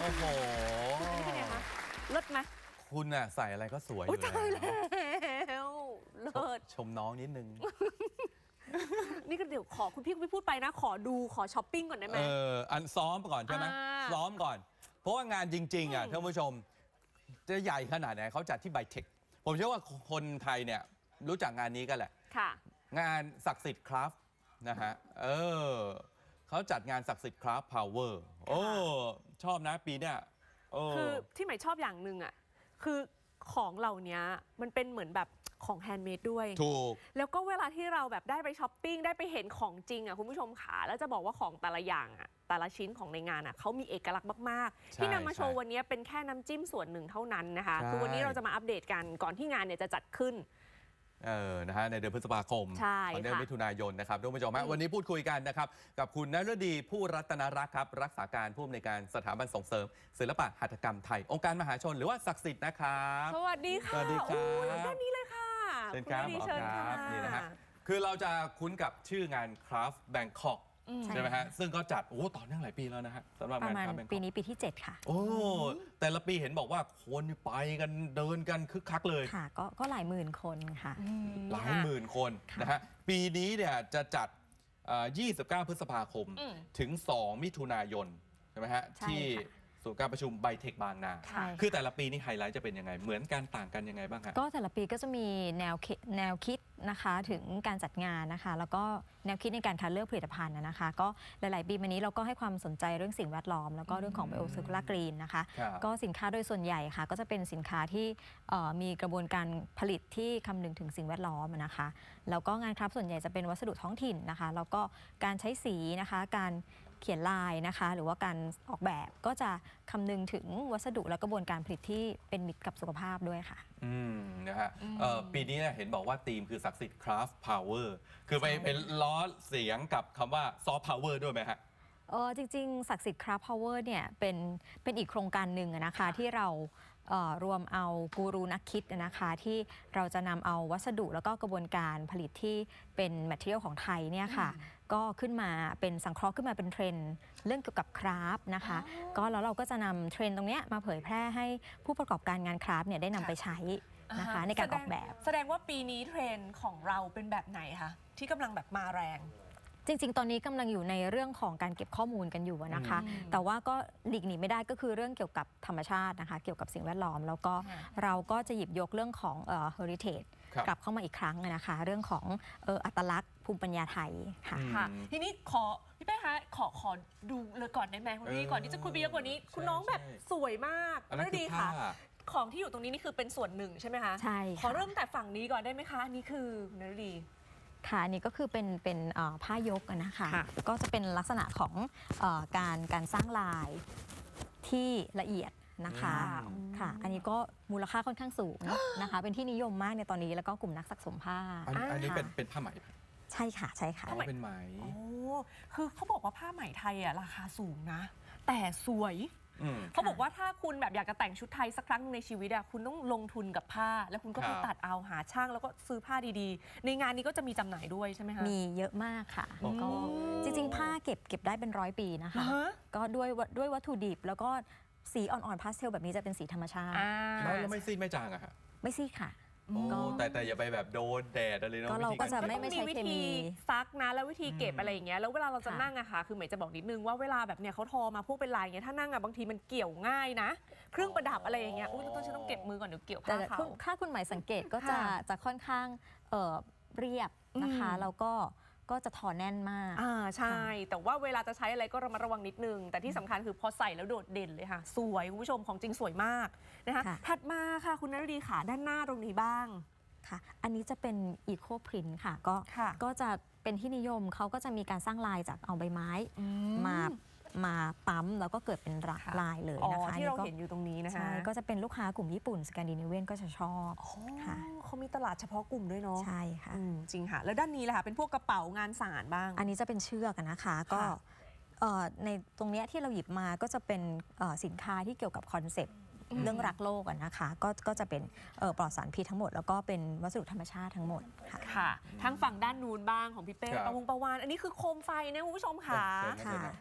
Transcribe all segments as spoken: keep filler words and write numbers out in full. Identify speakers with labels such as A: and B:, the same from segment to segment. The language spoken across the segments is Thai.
A: โอ้โห
B: เป็นไงคะเลิศไหม
A: คุณน่ะใส่อะไรก็สวยอยู่
B: แล้วเลิศ
A: ชมน้องนิดนึง
B: นี่ก็เดี๋ยวขอคุณพี่คุณพี่พูดไปนะขอดูขอช้อปปิ้งก่อนได้ไหม
A: เอออันซ้อมก่อนใช่ไหมซ้อมก่อนเพราะว่างานจริงๆอ่ะท่านผู้ชมจะใหญ่ขนาดไหนเขาจัดที่ไบเทคผมเชื่อว่าคนไทยเนี่ยรู้จักงานนี้กันแหละ
B: ค่ะ
A: งานศักดิ์สิทธิ์คราฟนะฮะเออเขาจัดงานศักดิ์สิทธิ์คราฟพาวเวอร์โอ้ชอบนะปีเนี้ย
B: คือที่หมายชอบอย่างหนึ่งอ่ะคือของเหล่านี้มันเป็นเหมือนแบบของแฮนด์เมดด้วย
A: ถูก
B: แล้วก็เวลาที่เราแบบได้ไปช้อปปิ้งได้ไปเห็นของจริงอ่ะคุณผู้ชมขาแล้วจะบอกว่าของแต่ละอย่างอ่ะแต่ละชิ้นของในงานอ่ะเขามีเอกลักษณ์มากๆที่นำมาโชว์วันนี้เป็นแค่น้ำจิ้มส่วนหนึ่งเท่านั้นนะคะคือวันนี้เราจะมาอัปเดตกันก่อนที่งานเนี่ยจะจัดขึ้น
A: เออนะฮะในเดือนพฤษภาคมตอนเดือนมิถุนายนนะครับทุกผู้ชมวันนี้พูดคุยกันนะครับกับคุณนฤดีผู้รัตนรักษ์ครับรักษาการผู้อำนวยการสถาบันส่งเสริมศิลปะหัตถกรรมไทยองค์การมหาชนหรือว่าศักดิ์สิทธิ์นะครับ
B: สวัสดีค่ะ
A: สวัสดีครับ
B: ด้านนี้เลยค่ะ
A: เชิญครับ
B: เชิญครับ
A: นี่นะฮะคือเราจะคุ้นกับชื่องาน Craft Bangkok ใช่ไหมฮะซึ่งก็จัดโอ้ต่อเนื่องหลายปีแล้วนะฮะสำหรับงาน Craft Bangkok
C: ปีนี้ปีที่เจ็ดค่ะ
A: โอ้แต่ละปีเห็นบอกว่าคนไปกันเดินกันคึกคักเลย
C: ค่ะก็ก็หลายหมื่นคนค่ะ
A: หลายหมื่นคนนะฮะปีนี้เนี่ยจะจัดยี่สิบเก้าพฤษภาคมถึงสองมิถุนายนใช่ไหมฮะที่ศูนย์การประชุมไบเทคบางนาคือแต่ละปีนี่ไฮไลท์จะเป็นยังไงเหมือนกันต่างกันยังไงบ้างคะ
C: ก็แต่ละปีก็จะมีแนวแนวคิดนะคะถึงการจัดงานนะคะแล้วก็แนวคิดในการคัดเลือกผลิตภัณฑ์นะคะก็หลายๆปีมานี้เราก็ให้ความสนใจเรื่องสิ่งแวดล้อมแล้วก็เรื่องของ Bio Circular Green นะคะก็สินค้าโดยส่วนใหญ่ค่ะก็จะเป็นสินค้าที่มีกระบวนการผลิตที่คำนึงถึงสิ่งแวดล้อมนะคะแล้วก็งานครับส่วนใหญ่จะเป็นวัสดุท้องถิ่นนะคะแล้วก็การใช้สีนะคะการเขียนลายนะคะหรือว่าการออกแบบก็จะคำนึงถึงวัสดุและกระบวนการผลิตที่เป็นมิตรกับสุขภาพด้วยค่ะ
A: อืมนะฮะปีนี้เห็นบอกว่าธีมคือศักดิ์สิทธิ์ Craft Power คือไปเป็นล้อเสียงกับคำว่า Soft Power ด้วยไหมฮะ
C: เออจริงๆศักดิ์สิทธิ์ Craft Power เนี่ยเป็นเป็นอีกโครงการหนึ่งนะคะที่เรารวมเอากูรูนักคิดนะคะที่เราจะนำเอาวัสดุแล้วก็กระบวนการผลิตที่เป็นแมทเทียลของไทยเนี่ยค่ะก็ขึ้นมาเป็นสังเคราะห์ขึ้นมาเป็นเทรนด์เรื่องเกี่ยวกับคราฟต์นะคะก็แล้วเราก็จะนำเทรนด์ตรงนี้มาเผยแพร่ให้ผู้ประกอบการงานคราฟต์เนี่ยได้นำไปใช้นะคะในการออกแบบ
B: แสดงว่าปีนี้เทรนด์ของเราเป็นแบบไหนคะที่กำลังแบบมาแรง
C: จริงๆตอนนี้กำลังอยู่ในเรื่องของการเก็บข้อมูลกันอยู่นะคะแต่ว่าก็หลีกหนีไม่ได้ก็คือเรื่องเกี่ยวกับธรรมชาตินะคะเกี่ยวกับสิ่งแวดล้อมแล้วก็เราก็จะหยิบยกเรื่องของเอ่อ heritage กลับเข้ามาอีกครั้งนะคะเรื่องของเอ่ออัตลักษณ์ภูมิปัญญาไทยค่ะ
B: ทีนี้ขอพี่เป้คะขอขอดูเลยก่อนได้ไหมคุณพี่ก่อนที่จะคุยไปเยอะกว่านี้คุณน้องแบบสวยมากน่าดีค่ะของที่อยู่ตรงนี้นี่คือเป็นส่วนหนึ่งใช่ไหมคะ
C: ใช่
B: ขอเริ่มแต่ฝั่งนี้ก่อนได้ไหมคะนี่คือน่าดี
C: ค่ะนี่ก็คือเป็นเป็นผ้ายกนะคะก็จะเป็นลักษณะของการการสร้างลายที่ละเอียดนะคะค่ะอันนี้ก็มูลค่าค่อนข้างสูงนะคะเป็นที่นิยมมากในตอนนี้แล้วก็กลุ่มนักสะสมผ้า
A: อันนี้เป็นเป็นผ้าไหม
C: ใช่ค่ะใช่ค่ะ
A: เป็นไหม
B: โอ้คือเขาบอกว่าผ้าไหมไทยอ่ะราคาสูงนะแต่สวยเขาบอกว่าถ้าคุณแบบอยากจะแต่งชุดไทยสักครั้งในชีวิตอะคุณต้องลงทุนกับผ้าแล้วคุณก็ไปตัดเอาหาช่างแล้วก็ซื้อผ้าดีๆในงานนี้ก็จะมีจำหน่ายด้วยใช่ไหมคะ
C: มีเยอะมากค่ะก็จริงๆผ้าเก็บเก็บได้เป็นร้อยปีนะคะก็ด้วยด้วยวัตถุดิบแล้วก็สีอ่อนๆพาสเทลแบบนี้จะเป็นสีธรรมชาติ
A: แล้วไม่ซีดไม่จางอะค่ะ
C: ไม่ซีดค่ะ
A: แต่แต่อย่าไปแบบโดนแดดอะไรเนาะ
C: ก็เราก็จะไม่ไม่ใช่
B: วิธีซักนะแล้ววิธีเก็บอะไรอย่างเงี้ยแล้วเวลาเราจะนั่งอะค่ะคือหมายจะบอกนิดนึงว่าเวลาแบบเนี้ยเขาทอมาพวกเป็นลายเงี้ยถ้านั่งอะบางทีมันเกี่ยวง่ายนะเครื่องประดับอะไรอย่างเงี้ยอุ้ยต้องฉันต้องเก็บมือก่อนเดี๋ยวเกี่ยวผ้าเขา
C: ถ้าคุณหมายสังเกตก็จะจะค่อนข้างเรียบนะคะแล้วก็ก็จะถอแน่นมาก
B: อ่าใช่แต่ว่าเวลาจะใช้อะไรก็ระมัดระวังนิดนึงแต่ที่สำคัญคือพอใส่แล้วโดดเด่นเลยค่ะสวยคุณผู้ชมของจริงสวยมากนะคะถัดมาค่ะคุณนฤดีค่ะด้านหน้าตรงนี้บ้าง
C: ค่ะอันนี้จะเป็นอีโคพรินท์ค่ะก็ก็จะเป็นที่นิยมเขาก็จะมีการสร้างลายจากเอาใบไม้มามาปั๊มแล้วก็เกิดเป็นลายเลยนะคะ
B: ที่เราเห็นอยู่ตรงนี้นะคะใช่
C: ก็จะเป็นลูกค้ากลุ่มญี่ปุ่นสแกนดิเนเวียนก็จะชอบ
B: ค่ะเขามีตลาดเฉพาะกลุ่มด้วยเนาะ
C: ใช่ค่ะ
B: จริงค่ะแล้วด้านนี้แหละค่ะเป็นพวกกระเป๋างานสานบ้าง
C: อันนี้จะเป็นเชือกนะคะก็ในตรงนี้ที่เราหยิบมาก็จะเป็นสินค้าที่เกี่ยวกับคอนเซปต์เรื่องรักโลกนะคะก็ก็จะเป็นปลอดสารพิษทั้งหมดแล้วก็เป็นวัสดุธรรมชาติทั้งหมดค่ะ
B: ค่ะทั้งฝั่งด้านนู้นบ้างของพี่เป้ประวงประวานอันนี้คือโคมไฟนะคุณผู้ชมค่ะ
C: ค่ะ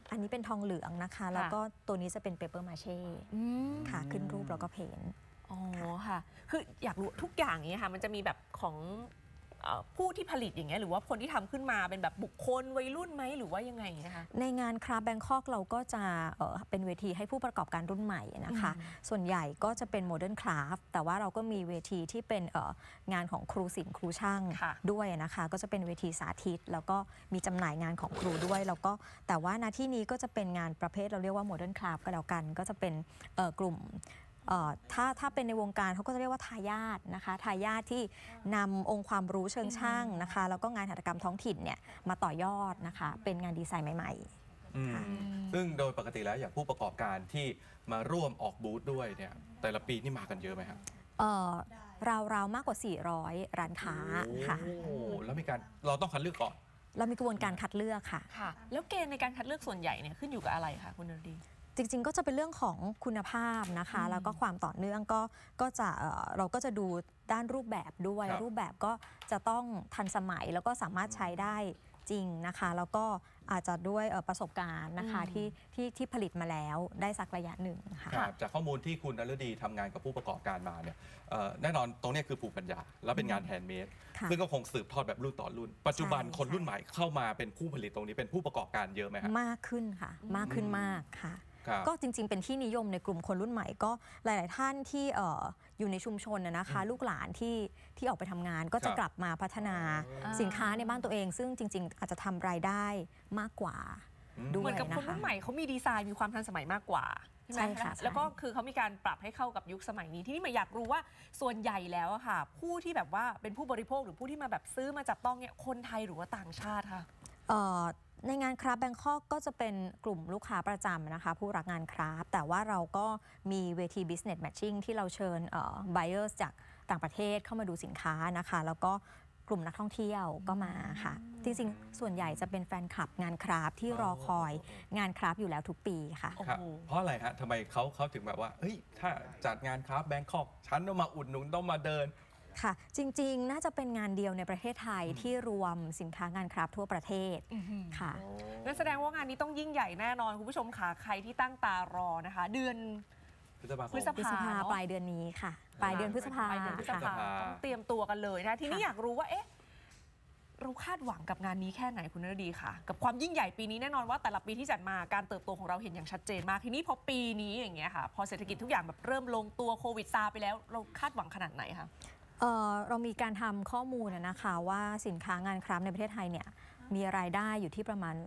C: อันนี้เป็นทองเหลืองนะคะ แล้วก็ตัวนี้จะเป็นเปเปอร์มาเช่ค่ะขึ้นรูปแล้วก็เพ้นท์
B: อ๋อค่ะ คืออยากรู้ทุกอย่างอย่างเงี้ยค่ะมันจะมีแบบของเอ่อผู้ที่ผลิตอย่างเงี้ยหรือว่าคนที่ทำขึ้นมาเป็นแบบบุคคลวัยรุ่นไหมหรือว่ายังไงนะคะ
C: ในงานคราฟแบงคอกเราก็จะเอ่อเป็นเวทีให้ผู้ประกอบการรุ่นใหม่นะคะ ส่วนใหญ่ก็จะเป็นโมเดิร์นคราฟแต่ว่าเราก็มีเวทีที่เป็นเอ่องานของครูศิลป์ครูช่าง
B: ค่ะ
C: ด้วยนะคะ ก็จะเป็นเวทีสาธิต แล้วก็มีจำหน่ายงานของครูด้วยแล้วก็แต่ว่าณที่นี้ก็จะเป็นงานประเภทเราเรียกว่าโมเดิร์นคราฟก็แล้วกัน ก็จะเป็นเอ่อกลุ่มเอ่อถ้าถ้าเป็นในวงการเขาก็จะเรียกว่าทายาทนะคะทายาทที่นำองค์ความรู้เชิงช่างนะคะแล้วก็งานหัตถกรรมท้องถิ่นเนี่ยมาต่อยอดนะคะเป็นงานดีไซน์ใหม่ๆ
A: อืม
C: ค่ะ
A: ซึ่งโดยปกติแล้วอย่างผู้ประกอบการที่มาร่วมออกบูธด้วยเนี่ยแต่ละปีนี่มากันเยอะไหมครับ
C: เอ่อราวๆมากกว่า สี่ร้อย ร้านค้าค่ะ
A: โอ้แล้วมีการเราต้องคัดเลือกก่อน
C: เรามีกระบวนการคัดเลือกค่ะ
B: ค่ะ แล้วเกณฑ์ในการคัดเลือกส่วนใหญ่เนี่ยขึ้นอยู่กับอะไรคะคุณนรดี
C: จริงๆ ก็จะเป็นเรื่องของคุณภาพนะคะ แล้วก็ความต่อเนื่องก็ก็จะเอ่อเราก็จะดูด้านรูปแบบด้วย
A: ครับ
C: รูปแบบก็จะต้องทันสมัยแล้วก็สามารถใช้ได้จริงนะคะ แล้วก็อาจจะด้วยเอ่อประสบการณ์นะคะ
B: อืม
C: ที่ที่ที่ผลิตมาแล้วได้สักระยะหนึ่งค่ะ
A: ครับจากข้อมูลที่คุณนฤดีทำงานกับผู้ประกอบการมาเนี่ยเอ่อแน่นอนตรงเนี้ยคือภูมิปัญญา แล้วเป็นงานแฮนด์เมด
C: ค่ะ
A: ซึ่งก็คงสืบทอดแบบรุ่นต่อรุ่น ปัจจุบัน
C: ใช่
A: คนรุ่นใหม่เข้ามาเป็นผู้ผลิตตรงนี้เป็นผู้ประกอบการเยอะไหมครับ
C: มากขึ้นค่ะ มากขึ้นมากค่ะ
A: ครับ
C: ก็จริงๆ เป็นที่นิยมในกลุ่มคนรุ่นใหม่ก็หลาย ๆ ท่านที่เอ่ออยู่ในชุมชนนะนะคะ ลูกหลานที่ที่ออกไปทำงานก็จะ
A: ครับ
C: กลับมาพัฒนา
B: อ่า
C: สินค้าในบ้านตัวเอง ซึ่งจริง ๆ อาจจะทำรายได้มากกว่า
A: อืม
C: ด้
B: เห
C: ว
B: มื
C: ย
B: อนกับ
C: นะ
B: คนรุ่
C: คะ
B: นใหม่เขามีดีไซน์มีความทันสมัยมากกว่าใช่ไหม
C: ใช่ค่ะใช่
B: แล้วก็คือเขามีการปรับให้เข้ากับยุคสมัยนี้ที่นี่หมายอยากรู้ว่าส่วนใหญ่แล้วอะค่ะ ผู้ที่แบบว่าเป็นผู้บริโภคหรือผู้ที่มาแบบซื้อมาจับต้องเนี่ยคนไทยหรือว่าต่างชาติค่ะ
C: เอ่อในงานคราฟแบงคอกก็จะเป็นกลุ่มลูกค้าประจำนะคะ ผู้รักงานคราฟแต่ว่าเราก็มีเวที business matching ที่เราเชิญเอ่อ buyers จากต่างประเทศเข้ามาดูสินค้านะคะ แล้วก็กลุ่มนักท่องเที่ยวก็มาค่ะ จริงๆ ส่วนใหญ่จะเป็นแฟนคลับงานคราฟที่รอคอยงานคราฟอยู่แล้วทุกปีค่ะ
B: โอ้โห
A: ครับเพราะอะไรฮะทำไมเขาเขาถึงแบบว่าเฮ้ยถ้าจัดงานครับแบงคอกฉันต้องมาอุดหนุนต้องมาเดิน
C: ค่ะ จริงๆ น่าจะเป็นงานเดียวในประเทศไทยที่รวมสินค้างานคราฟทั่วประเทศค่ะ
B: นั่นแสดงว่างานนี้ต้องยิ่งใหญ่แน่นอนคุณผู้ชมค่ะใครที่ตั้งตารอนะคะ เดือน
A: พฤษภาคม
B: พฤษ
C: พฤษภา
B: เนอะ
C: ปลายเดือนนี้ค่ะ ปลายเดือนพฤษภา
B: ปลายเดือนพฤษ
C: ค่ะ
B: ภาต้องเตรียมตัวกันเลยนะทีนี้
C: ค่ะ
B: อยากรู้ว่าเอ๊ะเราคาดหวังกับงานนี้แค่ไหนคุณนรดีค่ะ กับความยิ่งใหญ่ปีนี้แน่นอนว่าแต่ละปีที่จัดมาการเติบโตของเราเห็นอย่างชัดเจนมากทีนี้พอปีนี้อย่างเงี้ยค่ะพอเศรษฐกิจทุกอย่างแบบเริ่มลงตัวโควิดซาไปแล้วเราคาดหวังขนาดไหนคะ
C: เอ่อเรามีการทำข้อมูลนะนะคะว่าสินค้างานคราฟต์ในประเทศไทยเนี่ยมีรายได้อยู่ที่ประมาณ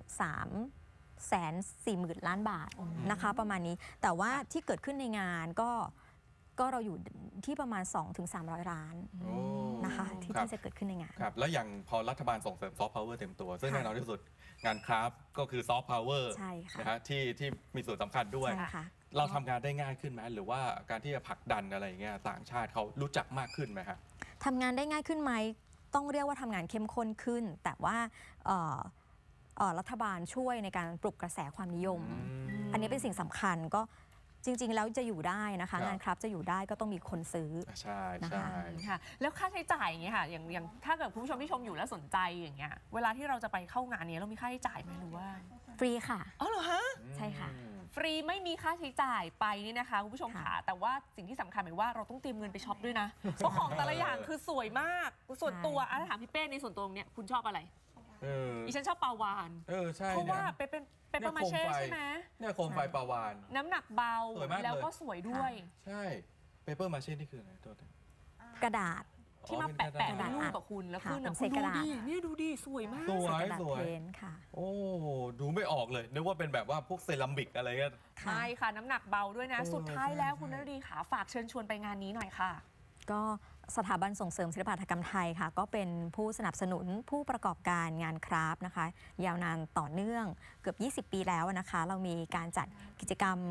C: 3แสนสี่หมื่นล้านบาทนะคะประมาณนี้ แต่ว่าที่เกิดขึ้นในงานก็ก็เราอยู่ที่ประมาณ สองถึงสามร้อย ล้าน
A: โอ้
C: นะคะที่
A: ครับ
C: ที่จะเกิดขึ้นในงาน
A: ครับแล้วอย่างพอรัฐบาลส่งเสริมซอฟต์พาวเวอร์เต็มตัว ซึ่ง
C: ค่ะ
A: แน่นอนที่สุดงานคราฟต์ก็คือซอฟต์พาวเวอร์
C: ใช่ค่ะ
A: นะฮะที่ที่มีส่วนสำคัญด้วย
C: ใช่ค่ะ
A: เราทำงานได้ง่ายขึ้นไหมหรือว่าการที่จะผลักดันอะไรอย่างเงี้ยต่างชาติเขารู้จักมากขึ้นไหมครับ
C: ทำงานได้ง่ายขึ้นไหมต้องเรียกว่าทำงานเข้มข้นขึ้น แต่ว่าเอ่อเอ่อรัฐบาลช่วยในการปลุกกระแสความนิยม อันนี้เป็นสิ่งสำคัญก็จริง ๆ แล้วจะอยู่ได้นะ
A: ครั
C: คะ
A: บ
C: งานคราฟต์จะอยู่ได้ก็ต้องมีคนซื้อ
A: ใช่
C: นะคะ
A: ใช่
B: ค่ะแล้วค่าใช้จ่ายอย่างเงี้ยค่ะอย่างอย่างถ้าเกิดคุณผู้ชมที่ชมอยู่แล้วสนใจอย่างเงี้ยเวลาที่เราจะไปเข้างานเนี้ยเรามีค่าใช้จ่ายไหมหรือว่า
C: ฟรีค่ะ
B: อ๋อเหรอฮะ
C: ใช่ค่ะ
B: ฟรีไม่มีค่าใช้จ่ายไปนี่นะคะคุณผู้ชม
C: ค่ะ
B: ค่ะแต่ว่าสิ่งที่สำคัญหมายว่าเราต้องเตรียมเงินไปช็อปด้วยนะ เพราะของแต่ละอย่างคือสวยมากส่วนตัวอ่ะถ้าถามพี่เป้ในส่วนตัวเนี้ยคุณชอบอะไร
A: เออ
B: ดิฉันชอบปลาวาน
A: เออใช่
B: เพราะ
A: เนี่
B: ว่าย เป็นเป็นเป็นปลามาเช่
A: เนี่ยโคมไฟ
B: ใช่ไหม
A: เนี่ยโคมไฟปลาวาน
B: น้ำหนักเบา
A: สวยมากเลย
B: แล้วก็สวยด้วย
A: ใช่เปเปอร์มาเช่นี่คืออะไรตัวเต็ม
C: กระดาษ
B: ที่มา
A: อ๋อ
B: แปะ
A: เป็
B: แปะ
A: นกระดาษ
B: รูปกับคุณแล้ว
C: ค่ะ
B: ขึ้นอ่ะ
C: เป็น
B: คุณ
C: เศษกระดาษ
B: ดูดิเนี่ยดูดิสวยมาก
A: สวย
C: กระดาษ
A: สวย
C: เพนท์ค่ะ
A: โอ้ดูไม่ออกเลยนึกว่าเป็นแบบว่าพวกเซรามิกอะไรเงี้ย
C: ค่ะ
B: ใช่ค่ะน้ำหนักเบาด้วยนะ
A: เออ
B: สุดท้ายแล้ว
A: ใช่
B: คุณน
A: ใช่
B: รดีขาฝากเชิญชวนไปงานนี้หน่อยค่ะ
C: ก็สถาบันส่งเสริมศิลปหัตถกรรมไทยค่ะ ก็เป็นผู้สนับสนุนผู้ประกอบการงานคราฟต์นะคะ ยาวนานต่อเนื่องเกือบ ยี่สิบ ปีแล้วนะคะ เรามีการจัดกิจกรรม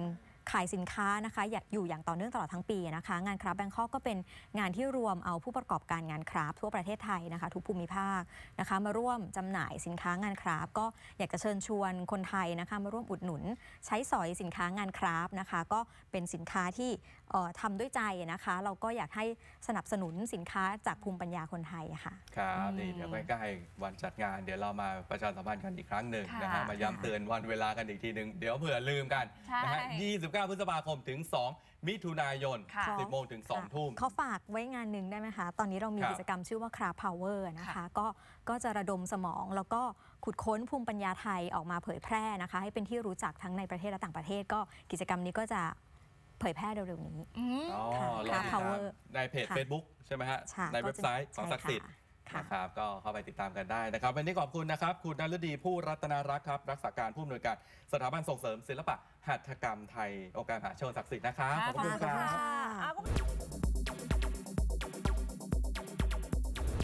C: ขายสินค้านะคะอยู่อย่างต่อเนื่องตลอดทั้งปีนะคะงานคราฟต์แบงคอกก็เป็นงานที่รวมเอาผู้ประกอบการงานคราฟต์ทั่วประเทศไทยนะคะทุกภูมิภาคนะคะมาร่วมจำหน่ายสินค้างานคราฟต์ก็อยากจะเชิญชวนคนไทยนะคะมาร่วมอุดหนุนใช้สอยสินค้างานคราฟต์นะคะก็เป็นสินค้าที่ทำด้วยใจนะคะเราก็อยากให้สนับสนุนสินค้าจากภูมิปัญญาคนไทยค่ะ
A: ครับนี่เดี๋ยวใกล้ๆวันจัดงานเดี๋ยวเรามาประชาสัมพันธ์กันอีกครั้งหนึ่งนะฮะ
B: ค่ะ
A: มาย้ำเตือนวันเวลากันอีกทีหนึ่งเดี๋ยวเผื่อลืมกัน
B: ใช่
A: นะฮะยี่สิบเก้า พฤษภาคมถึง สอง มิถุนายน
B: ค่ะ
A: สิบโมงถึง สอง ทุ่ม
C: เขาฝากไว้งานหนึ่งได้ไหมคะ ตอนนี้เรามี
A: ครับ
C: กิจกรรมชื่อว่า Craft Power นะคะ
B: ค่ะ
C: ก็ก็จะระดมสมองแล้วก็ขุดค้นภูมิปัญญาไทยออกมาเผยแพร่นะคะ ให้เป็นที่รู้จักทั้งในประเทศและต่างประเทศ ก็กิจกรรมนี้ก็จะเผยแพร่เร็วๆนี้
B: อืม
A: อ๋อ
C: ค่ะ
A: ลองติดตาม
C: Power
A: ในเพจ
C: ค่ะ
A: Facebook ใช่ไหมฮะ
C: ค่ะ
A: ในเว็บไซต์ของ
C: ก็จะ
A: ศักดิ์สิทธิ์
C: ใช่ค่ะ
A: นะครับก็เข้าไปติดตามกันได้นะครับวันนี้ขอบคุณนะครับ คุณนฤดีผู้รัตนารักษ์ครับ รักษาการผู้อำนวยการสถาบันส่งเสริมศิลปะหัตถกรรมไทยองค์การมหาชนศักดิ์สิทธิ์นะครับ
B: ค่ะ
A: ขอบคุณค
B: ขอบ
A: รั
B: คุณ
A: บ
B: ค่ะ